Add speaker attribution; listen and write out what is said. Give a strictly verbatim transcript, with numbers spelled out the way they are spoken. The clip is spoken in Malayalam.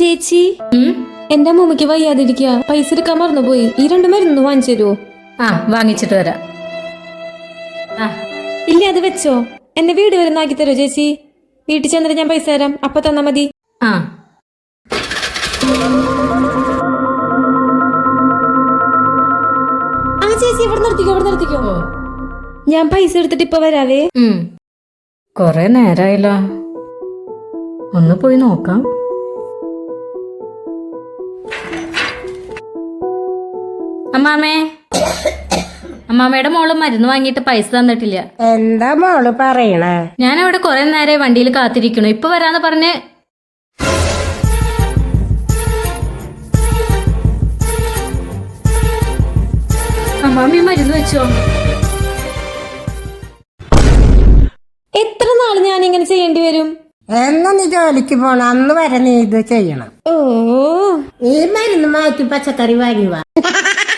Speaker 1: ചേച്ചി എന്റെ അമ്മൂമ്മക്ക് വയ്യാതിരിക്കുക, പൈസ എടുക്കാൻ മറന്നുപോയി. ഈ രണ്ട് മരുന്ന് വാങ്ങിച്ചു തരുമോ?
Speaker 2: ആ വാങ്ങിച്ചിട്ട് വരാം. ആ
Speaker 1: ഇല്ല, അത് വെച്ചോ. എന്നെ വീട് വരെ ആക്കി തരുമോ ചേച്ചി? വീട്ടിൽ ചെന്നിട്ട് ഞാൻ പൈസ തരാം, അപ്പൊ തന്നാ മതി.
Speaker 2: ആ
Speaker 1: ആ ചേച്ചി ഇവിടെ നിർത്തിക്കോ, ഇവിടെ നിർത്തിക്കോ. ഞാൻ പൈസ എടുത്തിട്ട് ഇപ്പൊ വരാവേ.
Speaker 2: കൊറേ നേരായല്ലോ, ഒന്ന് പോയി നോക്കാം. അമ്മാമേ, അമ്മാമ്മയുടെ മോള് മരുന്ന് വാങ്ങിയിട്ട് പൈസ തന്നിട്ടില്ല.
Speaker 3: എന്താ മോള് പറയണേ?
Speaker 2: ഞാൻ അവിടെ കൊറേ നേരെ വണ്ടിയിൽ കാത്തിരിക്കണു, ഇപ്പൊ വരാന്ന് പറഞ്ഞ്. അമ്മാമ്മ മരുന്ന് വെച്ചോ?
Speaker 1: എത്ര നാള് ഞാൻ ഇങ്ങനെ ചെയ്യേണ്ടി വരും?
Speaker 3: എന്നാ നീ ജോലിക്ക് പോണം, അന്ന് വരെ നീ ഇത് ചെയ്യണം.
Speaker 1: ഓ,
Speaker 3: ഈ മരുന്ന് മാറ്റി പച്ചക്കറി വാങ്ങി വാ.